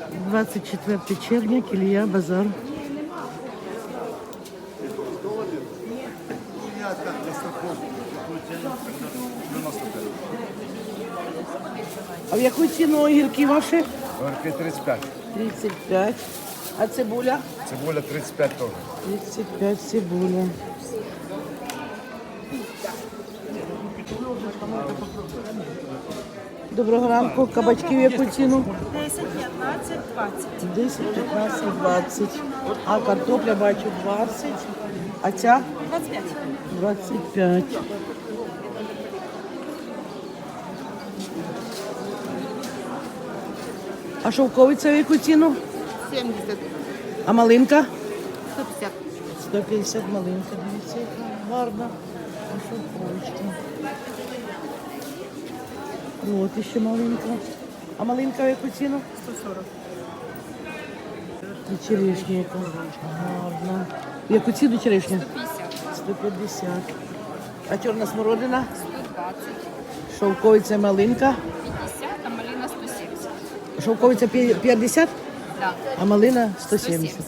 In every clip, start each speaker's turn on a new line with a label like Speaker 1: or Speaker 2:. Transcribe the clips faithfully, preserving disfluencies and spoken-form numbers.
Speaker 1: двадцять четвертого червня, Кілія, базар. А в яку ціну огірки ваші?
Speaker 2: Огірки тридцять п'ять.
Speaker 1: тридцять п'ять. А цибуля?
Speaker 2: Цибуля тридцять п'ять теж.
Speaker 1: тридцять п'ять цибуля. Доброго ранку. Кабачки в яку ціну?
Speaker 3: десять, п'ятнадцять, двадцять.
Speaker 1: десять, п'ятнадцять, двадцять. А картопля бачу двадцять. А ця?
Speaker 3: двадцять п'ять.
Speaker 1: двадцять п'ять. А шовковиця в яку ціну?
Speaker 3: сімдесят.
Speaker 1: А малинка?
Speaker 3: сто п'ятдесят.
Speaker 1: сто п'ятдесят малинка, дивіться, яка гарна. А шовковичка. От іще малинка. А малинка в яку ціну?
Speaker 3: сто сорок.
Speaker 1: І черешня яка гарна. В яку ціну черешня?
Speaker 3: сто п'ятдесят.
Speaker 1: сто п'ятдесят. А чорна смородина?
Speaker 3: сто двадцять.
Speaker 1: Шовковиця малинка.
Speaker 3: п'ятдесят, а малина сто сімдесят.
Speaker 1: Шовковиця п'я- п'ятдесят,
Speaker 3: Да.
Speaker 1: а малина сто сімдесят.
Speaker 3: сімдесят.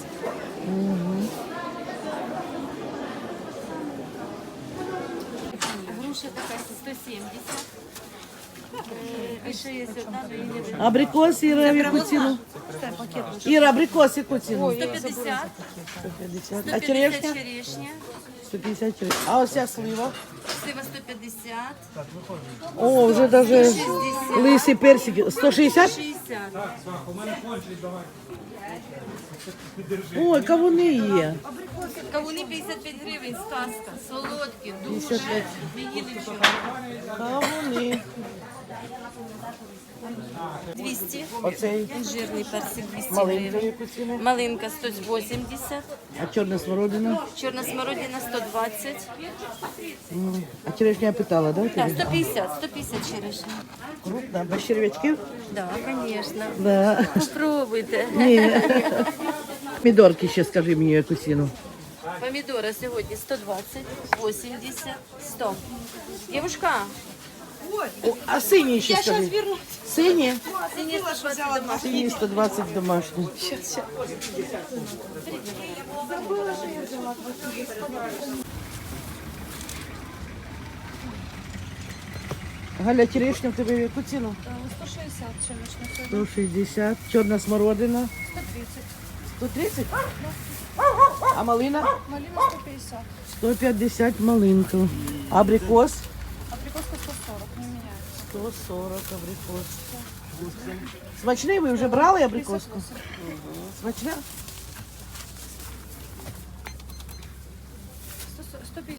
Speaker 3: Груша така сто сімдесят. Е, ще є одна, але її не
Speaker 1: Абрикос, Іра, в яку ціну? Іра, абрикос, яку ціну?
Speaker 3: сто п'ятдесят.
Speaker 1: сто п'ятдесят.
Speaker 3: сто
Speaker 1: А
Speaker 3: п'ятдесят
Speaker 1: черешня?
Speaker 3: черешня.
Speaker 1: сто п'ятдесят черешня. А ось ця слива?
Speaker 3: Слива сто п'ятдесят.
Speaker 1: О, вже даже лисий персик. сто шістдесят?
Speaker 3: шістдесят.
Speaker 1: Ой, кавуни є.
Speaker 3: Кавуни п'ятдесят п'ять гривень, сказка. Солодкі, дуже.
Speaker 1: п'ятдесят п'ять.
Speaker 3: Не їли вчора.
Speaker 1: Кавуни.
Speaker 3: двісті.
Speaker 1: Оцей
Speaker 3: Жирний персик двісті
Speaker 1: малинка в
Speaker 3: гривень.
Speaker 1: яку ціну?
Speaker 3: Малинка сто вісімдесят.
Speaker 1: А чорна смородина?
Speaker 3: Чорна смородина сто двадцять.
Speaker 1: М. А черешня я питала, да?
Speaker 3: Так,
Speaker 1: тобі?
Speaker 3: сто п'ятдесят, сто п'ятдесят черешня.
Speaker 1: Крупна, без черв'ячків?
Speaker 3: Да, звісно.
Speaker 1: Да.
Speaker 3: Попробуйте.
Speaker 1: Ні. Помідорки ще скажи мені, яку ціну.
Speaker 3: Помідори сьогодні сто двадцять, вісімдесят, сто. Дівушка,
Speaker 1: О, а сині ще
Speaker 3: я зараз
Speaker 1: скажи.
Speaker 3: вернусь.
Speaker 1: Сині?
Speaker 3: Сині сто двадцять домашні.
Speaker 1: Сині сто двадцять домашні. Галя, черешня в тебе в яку ціну?
Speaker 3: сто шістдесят черешня.
Speaker 1: сто шістдесят. Чорна смородина?
Speaker 3: сто тридцять.
Speaker 1: сто тридцять? А малина?
Speaker 3: Малина сто п'ятдесят.
Speaker 1: сто п'ятдесят малинка. Абрикос?
Speaker 3: Абрикоска сто сорок, не міняється.
Speaker 1: сто сорок абрикос. Смачний ви вже брали абрикоску? Смачна?